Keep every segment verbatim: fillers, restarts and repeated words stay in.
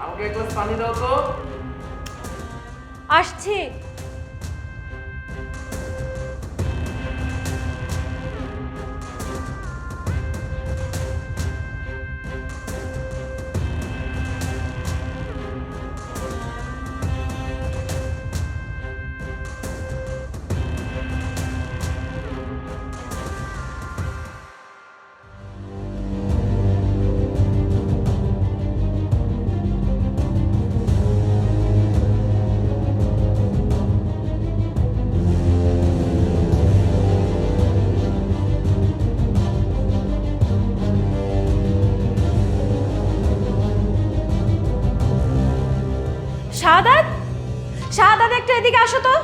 আমাকে এক গ্লাস পানি দাও তো। আসছি। শাহাদাত, শাহাদাত একটু এদিকে আসো তো।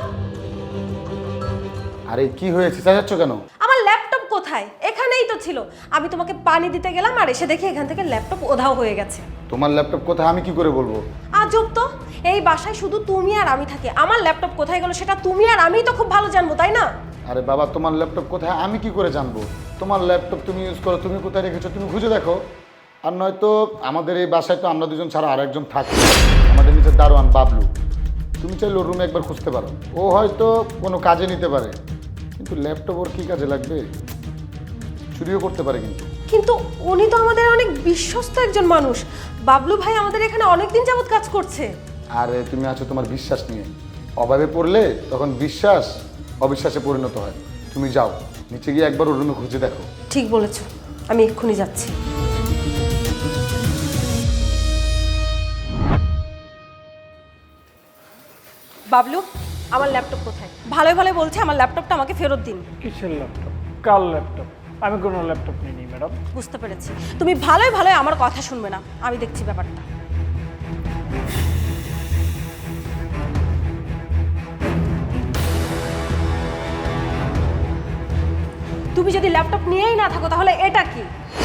আরে কি হয়েছে, চেঁচাচ্ছ কেন? আমার ল্যাপটপ কোথায়? এখানেই তো ছিল। আমি তোমাকে পানি দিতে গেলাম আর এসে দেখি এখান থেকে ল্যাপটপ উধাও হয়ে গেছে। তোমার ল্যাপটপ কোথায় আমি কি করে বলবো? আজব তো, এই বাসায় শুধু তুমি আর আমি থাকি। আমার ল্যাপটপ কোথায় গেল সেটা তুমি আর আমিই তো খুব ভালো জানবো, তাই না? আরে বাবা, তোমার ল্যাপটপ কোথায় আমি কি করে জানবো? তোমার ল্যাপটপ তুমি ইউজ করো, তুমি কোথায় রেখেছো তুমি খুঁজে দেখো। আর নয়তো আমাদের এই বাসায় তো আমরা দুজন ছাড়া আর একজন থাকি, আমাদের নিচে দারোয়ান বাবলু। তুমি চাইলে ওর রুমে একবার খুঁজতে পারো, ও হয়তো কোনো কাজে নিতে পারে। কিন্তু ল্যাপটপ ওর কী কাজে লাগবে? চুরিও করতে পারে কিন্তু। কিন্তু উনি তো আমাদের অনেক বিশ্বস্ত একজন মানুষ। বাবলু ভাই আমাদের এখানে অনেকদিন যাবত কাজ করছে। আরে তুমি আছো তোমার বিশ্বাস নিয়ে, অভাবে পড়লে তখন বিশ্বাস অবিশ্বাসে পরিণত হয়। তুমি যাও নিচে গিয়ে একবার ওর রুমে খুঁজে দেখো। ঠিক বলেছো, আমি এক্ষুনি যাচ্ছি। বাবলু, আমার ল্যাপটপ কোথায়? ভালোই ভালো বলছে আমার ল্যাপটপটা আমাকে ফেরত দিন। কিসের ল্যাপটপ? কার ল্যাপটপ? আমি কোনো ল্যাপটপ নিইনি ম্যাডাম। বুঝতে পেরেছি, তুমি ভালোই ভালোই আমার কথা শুনবে না। আমি দেখছি ব্যাপারটা। তুমি যদি ল্যাপটপ নিয়েই না থাকো তাহলে এটা কি?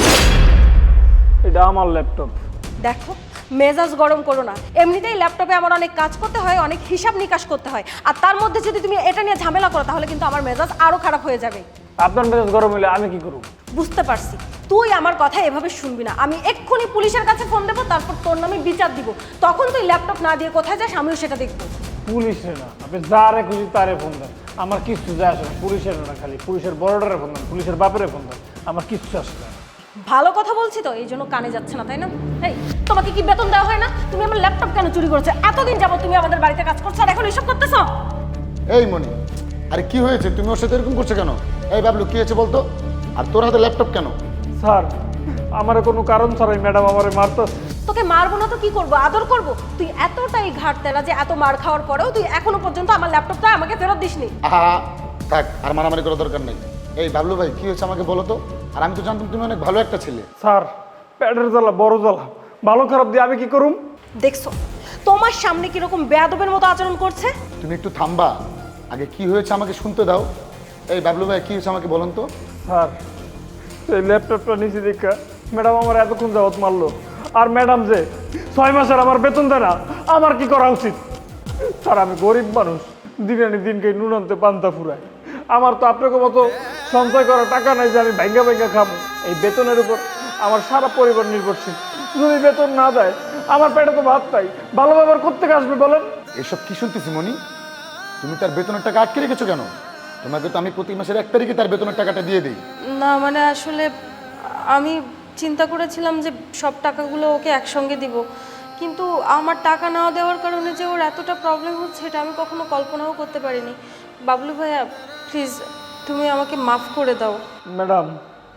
এটা আমার ল্যাপটপ। দেখো, মেজাজ গরম করো না। এমনিতেই ল্যাপটপে আমার অনেক কাজ করতে হয়, অনেক হিসাব নিকাশ করতে হয়, আর তার মধ্যে যদি তুমি এটা নিয়ে ঝামেলা করো তাহলে কিন্তু আমার মেজাজ আরো খারাপ হয়ে যাবে। আপনার মেজাজ গরম হলে আমি কি করব? বুঝতে পারছি, তুই আমার কথা এভাবে শুনবি না। আমি এক্ষুনি পুলিশের কাছে ফোন দেবো, তারপর তোর নামে বিচার দিব। তখন তুই ল্যাপটপ না দিয়ে কোথায় যাস আমিও সেটা দেখবো। পুলিশে না, আপনি যারে খুঁজি তারে ফোন দেন, আমার কিচ্ছু যায় আসে না। পুলিশের না, খালি পুলিশের বড়টারে ফোন দেন, পুলিশের বাপেরে ফোন দেন, আমার কিচ্ছু আসে না। ভালো কথা বলছি তো, এই জন্য কানে যাচ্ছে না, তাই না? এই, তোমাকে কি বেতন দেওয়া হয় না? তুমি আমার ল্যাপটপ কেন চুরি করেছো? এতদিন যাবো তুমি আমাদের বাড়িতে কাজ করছো আর এখন এসব করতেছো? এই মনি, আরে কি হয়েছে? তুমি ওর সাথে এরকম করছো কেন? এই বাবলু কি হয়েছে বলতো? আর তোর হাতে ল্যাপটপ কেন? স্যার, আমার কোনো কারণ ছাড়াই ম্যাডাম আমারে মারতেছে। তোকে মারবো না তো কি করবো? আদর করবো? তুই এতটাই ঘাট তেরা যে এত মার খাওয়ার পরেও তুই এখনো পর্যন্ত আমার ল্যাপটপটা আমাকে ফেরত দিসনি। আহা থাক, আর মারামারি করার দরকার নেই। এই বাবলু ভাই কি হয়েছে আমাকে বলো তো। আর আমি তো জানতাম তুমি অনেক ভালো একটা ছেলে। স্যার, পেটের জ্বালা বড় জ্বালা, ভালো খারাপ দিয়ে আমি কি করুম? দেখছো তোমার সামনে কিরকম বেয়াদবের মতো আচরণ করছে? তুমি একটু থামবা, আগে কি হয়েছে আমাকে শুনতে দাও। এই বাবলু ভাই কি হয়েছে আমাকে বলুন তো। স্যার, এই ল্যাপটপটা নিচে দেখা ম্যাডাম আমার এতক্ষণ যাবত মারলো। আর ম্যাডাম যে ছয় মাসের আমার বেতন দেয় না, আমার কি করা উচিত? স্যার, আমি গরিব মানুষ, দিন আনি দিনকে নুন আনতে পান্তা ফুরায়। আমার তো আপনাকে মতো সঞ্চয় করা টাকা নাই যে আমি ভাঙ্গা ভাঙ্গা খাবো। এই বেতনের উপর আমার সারা পরিবার নির্ভরশীল। যদি বেতন না দেয় আমার পেটে তো ভাত পাই, ভালো ব্যবহার করতে আসবে বলেন? এসব কি শুনতেছি মনি? তুমি তার বেতনের টাকা আটকে রেখেছো কেন? তোমাকে তো আমি প্রতি মাসের এক তারিখে তার বেতনের টাকাটা দিয়ে দিই। না মানে আসলে আমি চিন্তা করেছিলাম যে সব টাকাগুলো ওকে একসঙ্গে দিব, কিন্তু আমার টাকা না দেওয়ার কারণে যে ওর এতটা প্রবলেম হচ্ছে এটা আমি কখনো কল্পনাও করতে পারিনি। বাবলু ভাইয়া প্লিজ তুমি আমাকে মাফ করে দাও। ম্যাডাম,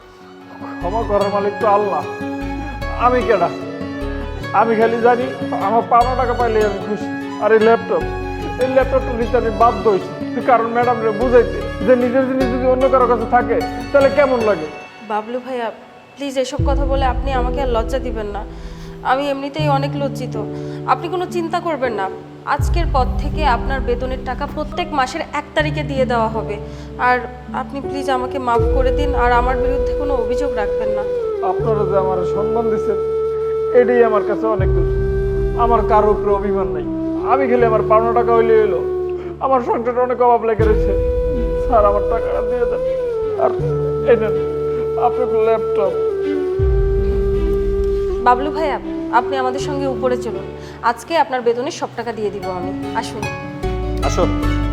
ক্ষমা করার মালিক তো আল্লাহ, আমি কেডা? আমি খালি জানি আমার পাওনা টাকা পাইলে আমি খুশি। আর এই ল্যাপটপ, এই ল্যাপটপটা নিতে আমি বাধ্য হয়েছি, কারণ ম্যাডাম রে বুঝাইতে যে নিজের জিনিস যদি অন্য কারো কাছে থাকে তাহলে কেমন লাগে। বাবলু ভাইয়া প্লিজ এসব কথা বলে আপনি আমাকে আর লজ্জা দিবেন না। আমি এমনিতেই অনেক লজ্জিত। আপনি কোনো চিন্তা করবেন না, আজকের পর থেকে আপনার বেতনের টাকা প্রত্যেক মাসের এক তারিখে দিয়ে দেওয়া হবে। আর আপনি প্লিজ আমাকে মাফ করে দিন, আর আমার বিরুদ্ধে কোনো অভিযোগ রাখবেন না। আপনারা যে আমার সম্মান দিচ্ছেন এটাই আমার কাছে অনেক কিছু। আমার কারোর উপরে অভিমান নাই, আমি খেলে আমার পাওনা টাকা হইলে এলো। আমার সংসারটা অনেক অভাব লেগে রয়েছে। স্যার, আমার টাকাটা দিয়ে দেন। আর এই নেন আপনার ল্যাপটপ। বাবলু ভাইয়া আপনি আমাদের সঙ্গে উপরে চলুন, আজকে আপনার বেতনের সব টাকা দিয়ে দিব আমি। আসুন। আসো।